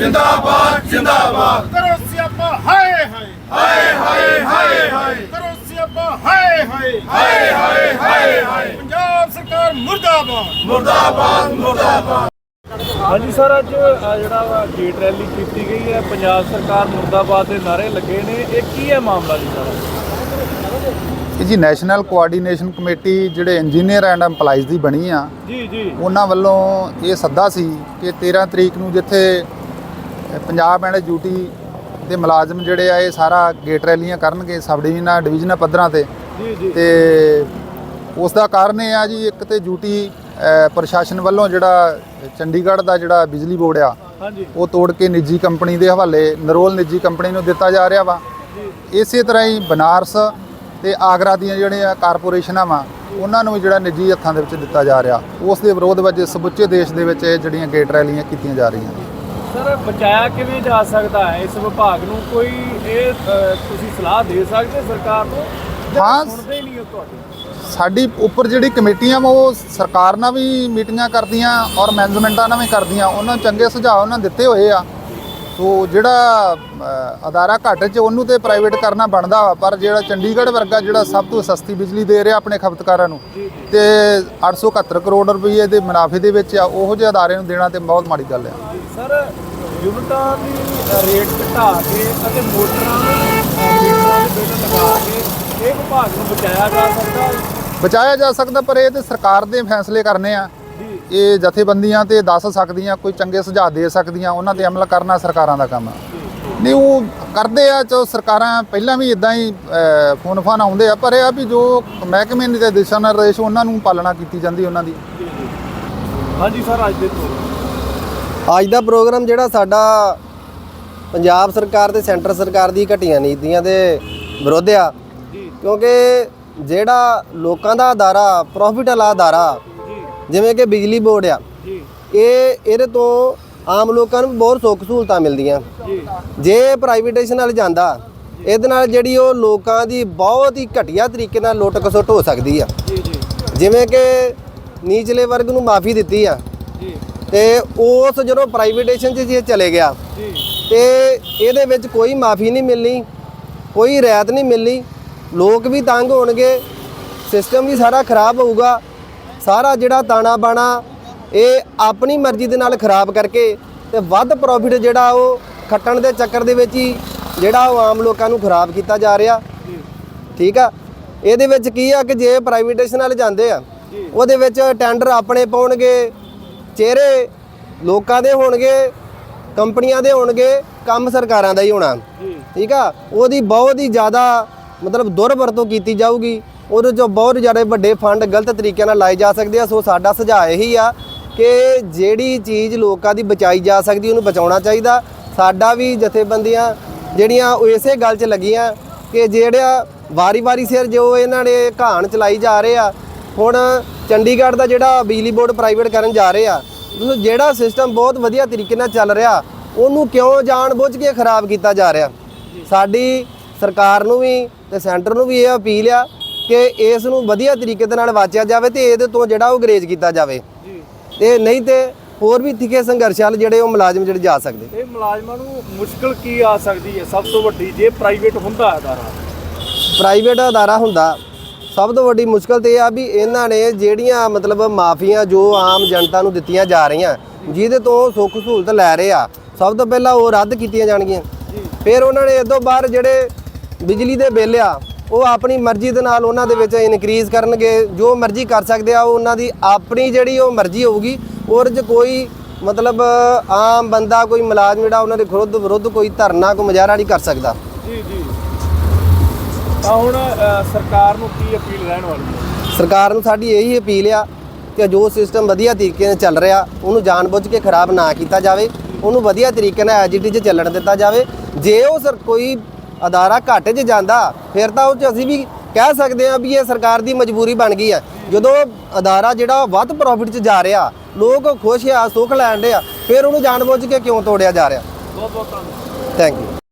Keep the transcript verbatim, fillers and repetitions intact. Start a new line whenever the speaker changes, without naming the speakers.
जिंदाबाद जिंदाबाद
करो सियापा हाय हाय
हाय हाय हाय हाय
करो सियापा हाय हाय
हाय हाय हाय हाय
पंजाब सरकार मुर्दाबाद
मुर्दाबाद मुर्दाबाद।
हाँ जी सर, अज जरा गेट रैली की गई है, पंजाब सरकार मुर्दाबाद के नारे लगे ने, ये की है मामला जी सर?
जी नैशनल कोआर्ਡੀਨੇਸ਼ਨ कमेटी ਜਿਹੜੇ ਇੰਜੀਨੀਅਰ ਐਂਡ ਐਮਪਲਾਈਜ਼ ਦੀ ਬਣੀ ਆ
ਜੀ ਜੀ
ਉਹਨਾਂ ਵੱਲੋਂ ਇਹ ਸੱਦਾ ਸੀ ਕਿ ਤੇਰ੍ਹਾਂ ਤਰੀਕ ਨੂੰ ਜਿੱਥੇ ਪੰਜਾਬ ਐਂਡ ਯੂਟੀ ਦੇ ਮੁਲਾਜ਼ਮ ਜਿਹੜੇ ਆ ਇਹ ਸਾਰਾ ਗੇਟ ਰੈਲੀਆਂ ਕਰਨਗੇ ਸਬ ਡਿਵੀਜ਼ਨਾਂ ਡਿਵੀਜ਼ਨਾਂ ਪੱਧਰਾਂ ਤੇ
ਜੀ ਜੀ
ਤੇ ਉਸ ਦਾ ਕਾਰਨ ਇਹ ਆ ਜੀ, ਇੱਕ ਤੇ ਯੂਟੀ ਪ੍ਰਸ਼ਾਸਨ ਵੱਲੋਂ ਜਿਹੜਾ ਚੰਡੀਗੜ੍ਹ ਦਾ ਜਿਹੜਾ ਬਿਜਲੀ ਬੋਰਡ ਆ
ਹਾਂਜੀ
ਉਹ ਤੋੜ ਕੇ ਨਿੱਜੀ ਕੰਪਨੀ ਦੇ ਹਵਾਲੇ ਨਰੋਲ ਨਿੱਜੀ ਕੰਪਨੀ ਨੂੰ ਦਿੱਤਾ ਜਾ ਰਿਹਾ ਵਾ। ਇਸੇ ਤਰ੍ਹਾਂ ਹੀ ਬਨਾਰਸ ਤੇ ਆਗਰਾ ਦੀਆਂ ਜਿਹੜੀਆਂ ਕਾਰਪੋਰੇਸ਼ਨਾਂ ਵਾ ਉਹਨਾਂ ਨੂੰ ਵੀ ਜਿਹੜਾ ਨਿੱਜੀ ਹੱਥਾਂ ਦੇ ਵਿੱਚ ਦਿੱਤਾ ਜਾ ਰਿਹਾ, ਉਸ ਦੇ ਵਿਰੋਧ ਵਿੱਚ ਸਮੁੱਚੇ ਦੇਸ਼ ਦੇ ਵਿੱਚ ਇਹ ਜਿਹੜੀਆਂ ਗੇਟ ਰੈਲੀਆਂ ਕੀਤੀਆਂ ਜਾ ਰਹੀਆਂ।
ਸਰ ਬਚਾਇਆ ਕਿਵੇਂ ਜਾ ਸਕਦਾ ਹੈ ਇਸ ਵਿਭਾਗ ਨੂੰ? ਕੋਈ ਇਹ ਤੁਸੀਂ ਸਲਾਹ ਦੇ ਸਕਦੇ ਸਰਕਾਰ ਨੂੰ?
ਹਾਂ,
ਸੁਣਦੇ ਹੀ ਨਹੀਂ ਹੋ ਤੁਹਾਡੇ।
ਸਾਡੀ ਉੱਪਰ ਜਿਹੜੀ ਕਮੇਟੀਆਂ ਵਾ ਉਹ ਸਰਕਾਰ ਨਾਲ ਵੀ ਮੀਟਿੰਗਾਂ ਕਰਦੀਆਂ ਔਰ ਮੈਨੇਜਮੈਂਟਾਂ ਨਾਲ ਵੀ ਕਰਦੀਆਂ, ਉਹਨਾਂ ਨੂੰ ਚੰਗੇ ਸੁਝਾਅ ਉਹਨਾਂ ਦਿੱਤੇ ਹੋਏ ਆ। ਸੋ ਜਿਹੜਾ ਅਦਾਰਾ ਘੱਟ 'ਚ ਉਹਨੂੰ ਤੇ ਪ੍ਰਾਈਵੇਟ ਕਰਨਾ ਬਣਦਾ ਵਾ, ਪਰ ਜਿਹੜਾ ਚੰਡੀਗੜ੍ਹ ਵਰਗਾ ਜਿਹੜਾ ਸਭ ਤੋਂ ਸਸਤੀ ਬਿਜਲੀ ਦੇ ਰਿਹਾ ਆਪਣੇ ਖਪਤਕਾਰਾਂ ਨੂੰ ਤੇ ਅੱਠ ਸੌ ਇਕਹੱਤਰ ਕਰੋੜ ਰੁਪਏ ਦੇ ਮੁਨਾਫੇ ਦੇ ਵਿੱਚ ਆ, ਉਹੋ ਜਿਹੇ ਅਦਾਰੇ ਨੂੰ ਦੇਣਾ ਤੇ ਬਹੁਤ ਮਾੜੀ ਗੱਲ ਆ।
ਸਰ ਯੂਨਿਟਾਂ ਦੀ ਰੇਟ ਘਟਾ ਕੇ ਅਤੇ ਮੋਟਰਾਂ ਨੂੰ ਮੀਟਰਾਂ ਦੇ ਬਿੱਲ ਲਗਾ ਕੇ ਇਹ ਵਿਭਾਗ ਨੂੰ ਬਚਾਇਆ ਜਾ ਸਕਦਾ
ਬਚਾਇਆ ਜਾ ਸਕਦਾ, ਪਰ ਇਹ ਤੇ ਸਰਕਾਰ ਦੇ ਫੈਸਲੇ ਕਰਨੇ ਆ। ਇਹ ਜਥੇਬੰਦੀਆਂ ਤੇ ਦੱਸ ਸਕਦੀਆਂ, ਕੋਈ ਚੰਗੇ ਸੁਝਾਅ ਦੇ ਸਕਦੀਆਂ, ਉਹਨਾਂ ਤੇ ਅਮਲ ਕਰਨਾ ਸਰਕਾਰਾਂ ਦਾ ਕੰਮ ਆ। ਨਹੀਂ ਉਹ ਕਰਦੇ ਆ, ਚੋ ਸਰਕਾਰਾਂ ਪਹਿਲਾਂ ਵੀ ਇਦਾਂ ਹੀ ਫੋਨ ਫਾਨ ਆਉਂਦੇ ਆ, ਪਰ ਇਹ ਆ ਵੀ ਜੋ ਮਹਿਕਮੇ ਦੇ ਦਿਸ਼ਾ ਨਿਰਦੇਸ਼ ਉਹਨਾਂ ਨੂੰ ਪਾਲਣਾ ਕੀਤੀ ਜਾਂਦੀ ਉਹਨਾਂ ਦੀ।
ਹਾਂਜੀ ਸਰ, ਅੱਜ ਦੇ
ਅੱਜ ਦਾ ਪ੍ਰੋਗਰਾਮ ਜਿਹੜਾ ਸਾਡਾ ਪੰਜਾਬ ਸਰਕਾਰ ਤੇ ਸੈਂਟਰ ਸਰਕਾਰ ਦੀ ਘਟੀਆਂ ਨੀਤੀਆਂ ਦੇ ਵਿਰੁੱਧ ਆ, ਕਿਉਂਕਿ ਜਿਹੜਾ ਲੋਕਾਂ ਦਾ ਅਦਾਰਾ ਪ੍ਰੋਫਿਟ ਵਾਲਾ ਅਦਾਰਾ ਜਿਵੇਂ ਕਿ ਬਿਜਲੀ ਬੋਰਡ ਆ, ਇਹ ਇਹਦੇ ਤੋਂ ਆਮ ਲੋਕਾਂ ਨੂੰ ਬਹੁਤ ਸੁੱਖ ਸਹੂਲਤਾਂ ਮਿਲਦੀਆਂ। ਜੇ ਪ੍ਰਾਈਵੇਟਾਈਜੇਸ਼ਨ ਨਾਲ ਜਾਂਦਾ, ਇਹਦੇ ਨਾਲ ਜਿਹੜੀ ਉਹ ਲੋਕਾਂ ਦੀ ਬਹੁਤ ਹੀ ਘਟੀਆ ਤਰੀਕੇ ਨਾਲ ਲੁੱਟ ਖਸੁੱਟ ਹੋ ਸਕਦੀ ਆ। ਜਿਵੇਂ ਕਿ ਨੀਚਲੇ ਵਰਗ ਨੂੰ ਮਾਫੀ ਦਿੱਤੀ ਆ ਤੇ ਉਸ ਜਦੋਂ ਪ੍ਰਾਈਵੇਟਾਈਜੇਸ਼ਨ 'ਚ ਜੇ ਚਲੇ ਗਿਆ ਤੇ ਇਹਦੇ ਵਿੱਚ ਕੋਈ ਮਾਫੀ ਨਹੀਂ ਮਿਲਣੀ, ਕੋਈ ਰਿਆਇਤ ਨਹੀਂ ਮਿਲਣੀ, ਲੋਕ ਵੀ ਤੰਗ ਹੋਣਗੇ, ਸਿਸਟਮ ਵੀ ਸਾਰਾ ਖਰਾਬ ਹੋਊਗਾ। ਸਾਰਾ ਜਿਹੜਾ ਤਾਣਾ ਬਾਣਾ ਇਹ ਆਪਣੀ ਮਰਜ਼ੀ ਦੇ ਨਾਲ ਖਰਾਬ ਕਰਕੇ ਤੇ ਵੱਧ ਪ੍ਰੋਫਿਟ ਜਿਹੜਾ ਉਹ ਖੱਟਣ ਦੇ ਚੱਕਰ ਦੇ ਵਿੱਚ ਹੀ ਜਿਹੜਾ ਉਹ ਆਮ ਲੋਕਾਂ ਨੂੰ ਖਰਾਬ ਕੀਤਾ ਜਾ ਰਿਹਾ। ਠੀਕ ਆ, ਇਹਦੇ ਵਿੱਚ ਕੀ ਆ ਕਿ ਜੇ ਪ੍ਰਾਈਵੇਟਾਈਜੇਸ਼ਨ ਨਾਲ ਜਾਂਦੇ ਆ, ਉਹਦੇ ਵਿੱਚ ਟੈਂਡਰ ਆਪਣੇ ਪਾਉਣਗੇ, ਚਿਹਰੇ ਲੋਕਾਂ ਦੇ ਹੋਣਗੇ, ਕੰਪਨੀਆਂ ਦੇ ਹੋਣਗੇ, ਕੰਮ ਸਰਕਾਰਾਂ ਦਾ ਹੀ ਹੋਣਾ। ਠੀਕ ਆ, ਉਹਦੀ ਬਹੁਤ ਹੀ ਜ਼ਿਆਦਾ ਮਤਲਬ ਦੁਰਵਰਤੋਂ ਕੀਤੀ ਜਾਊਗੀ, ਉਹਦੇ 'ਚੋਂ ਬਹੁਤ ਜ਼ਿਆਦਾ ਵੱਡੇ ਫੰਡ ਗਲਤ ਤਰੀਕੇ ਨਾਲ ਲਾਏ ਜਾ ਸਕਦੇ ਆ। ਸੋ ਸਾਡਾ ਸੁਝਾਅ ਇਹੀ ਆ ਕਿ ਜਿਹੜੀ ਚੀਜ਼ ਲੋਕਾਂ ਦੀ ਬਚਾਈ ਜਾ ਸਕਦੀ ਉਹਨੂੰ ਬਚਾਉਣਾ ਚਾਹੀਦਾ। ਸਾਡਾ ਵੀ ਜਥੇਬੰਦੀਆਂ ਜਿਹੜੀਆਂ ਉਹ ਇਸੇ ਗੱਲ 'ਚ ਲੱਗੀਆਂ ਕਿ ਜਿਹੜਾ ਵਾਰੀ-ਵਾਰੀ ਸਿਰ ਜੋ ਇਹਨਾਂ ਨੇ ਕਹਾਣ ਚਲਾਈ ਜਾ ਰਹੇ ਆ, ਹੁਣ ਚੰਡੀਗੜ੍ਹ ਦਾ ਜਿਹੜਾ ਬਿਜਲੀ ਬੋਰਡ ਪ੍ਰਾਈਵੇਟ ਕਰਨ ਜਾ ਰਹੇ ਆ, ਜਿਹੜਾ ਸਿਸਟਮ ਬਹੁਤ ਵਧੀਆ ਤਰੀਕੇ ਨਾਲ ਚੱਲ ਰਿਹਾ ਉਹਨੂੰ ਕਿਉਂ ਜਾਣ ਬੁੱਝ ਕੇ ਖਰਾਬ ਕੀਤਾ ਜਾ ਰਿਹਾ। ਸਾਡੀ ਸਰਕਾਰ ਨੂੰ ਵੀ ਤੇ ਸੈਂਟਰ ਨੂੰ ਵੀ ਇਹ ਅਪੀਲ ਆ ਕਿ ਇਸ ਨੂੰ ਵਧੀਆ ਤਰੀਕੇ ਦੇ ਨਾਲ ਵਾਚਿਆ ਜਾਵੇ ਤੇ ਇਹਦੇ ਤੋਂ ਜਿਹੜਾ ਉਹ ਗਰੇਜ ਕੀਤਾ ਜਾਵੇ, ਤੇ ਨਹੀਂ ਤੇ ਹੋਰ ਵੀ ਤਿੱਖੇ ਸੰਘਰਸ਼ ਵਾਲੇ ਜਿਹੜੇ ਉਹ ਮੁਲਾਜ਼ਮ ਜਿਹੜੇ ਜਾ ਸਕਦੇ।
ਇਹ ਮੁਲਾਜ਼ਮਾਂ ਨੂੰ ਮੁਸ਼ਕਲ ਕੀ ਆ ਸਕਦੀ ਹੈ ਸਭ ਤੋਂ ਵੱਡੀ ਜੇ ਪ੍ਰਾਈਵੇਟ ਹੁੰਦਾ ਅਦਾਰਾ?
ਪ੍ਰਾਈਵੇਟ ਅਦਾਰਾ ਹੁੰਦਾ ਸਭ ਤੋਂ ਵੱਡੀ ਮੁਸ਼ਕਲ ਤੇ ਇਹ ਆ ਵੀ ਇਹਨਾਂ ਨੇ ਜਿਹੜੀਆਂ ਮਤਲਬ ਮਾਫੀਆਂ ਜੋ ਆਮ ਜਨਤਾ ਨੂੰ ਦਿੱਤੀਆਂ ਜਾ ਰਹੀਆਂ, ਜਿਹਦੇ ਤੋਂ ਸੁੱਖ ਸਹੂਲਤ ਲੈ ਰਹੇ ਆ, ਸਭ ਤੋਂ ਪਹਿਲਾਂ ਉਹ ਰੱਦ ਕੀਤੀਆਂ ਜਾਣਗੀਆਂ। ਫਿਰ ਉਹਨਾਂ ਨੇ ਇਦੋਂ ਬਾਅਦ ਜਿਹੜੇ ਬਿਜਲੀ ਦੇ ਬਿੱਲ ਆ ਉਹ ਆਪਣੀ ਮਰਜ਼ੀ ਦੇ ਨਾਲ ਉਹਨਾਂ ਦੇ ਵਿੱਚ ਇਨਕਰੀਜ਼ ਕਰਨਗੇ, ਜੋ ਮਰਜ਼ੀ ਕਰ ਸਕਦੇ ਆ, ਉਹ ਉਹਨਾਂ ਦੀ ਆਪਣੀ ਜਿਹੜੀ ਉਹ ਮਰਜ਼ੀ ਹੋਊਗੀ। ਉਹਦੇ 'ਚ ਕੋਈ ਮਤਲਬ ਆਮ ਬੰਦਾ ਕੋਈ ਮੁਲਾਜ਼ਮ ਜਿਹੜਾ ਉਹਨਾਂ ਦੇ ਵਿਰੁੱਧ ਵਿਰੁੱਧ ਕੋਈ ਧਰਨਾ ਕੋਈ ਮੁਜ਼ਾਹਰਾ ਨਹੀਂ ਕਰ ਸਕਦਾ।
ਜੀ ਜੀ ਤਾਂ ਹੁਣ ਸਰਕਾਰ ਨੂੰ ਕੀ ਅਪੀਲ ਰਹਿਣ ਵਾਲੀ ਹੈ?
ਸਰਕਾਰ ਨੂੰ ਸਾਡੀ ਇਹੀ ਅਪੀਲ ਆ ਕਿ ਜੋ ਸਿਸਟਮ ਵਧੀਆ ਤਰੀਕੇ ਨਾਲ ਚੱਲ ਰਿਹਾ ਉਹਨੂੰ ਜਾਣਬੁੱਝ ਕੇ ਖਰਾਬ ਨਾ ਕੀਤਾ ਜਾਵੇ, ਉਹਨੂੰ ਵਧੀਆ ਤਰੀਕੇ ਨਾਲ ਐਜੀਟੀ 'ਚ ਚੱਲਣ ਦਿੱਤਾ ਜਾਵੇ। ਜੇ ਉਹ ਸਰ ਕੋਈ ਅਦਾਰਾ ਘਾਟੇ 'ਚ ਜਾਂਦਾ ਫਿਰ ਤਾਂ ਉਹ 'ਚ ਅਸੀਂ ਵੀ ਕਹਿ ਸਕਦੇ ਹਾਂ ਵੀ ਇਹ ਸਰਕਾਰ ਦੀ ਮਜਬੂਰੀ ਬਣ ਗਈ ਹੈ। ਜਦੋਂ ਅਦਾਰਾ ਜਿਹੜਾ ਵੱਧ ਪ੍ਰੋਫਿਟ 'ਚ ਜਾ ਰਿਹਾ, ਲੋਕ ਖੁਸ਼ ਆ, ਸੁੱਖ ਲੈਣ ਦੇ ਆ, ਫਿਰ ਉਹਨੂੰ ਜਾਣਬੁੱਝ ਕੇ ਕਿਉਂ ਤੋੜਿਆ ਜਾ ਰਿਹਾ?
ਬਹੁਤ ਬਹੁਤ ਧੰਨਵਾਦ।
Thank you.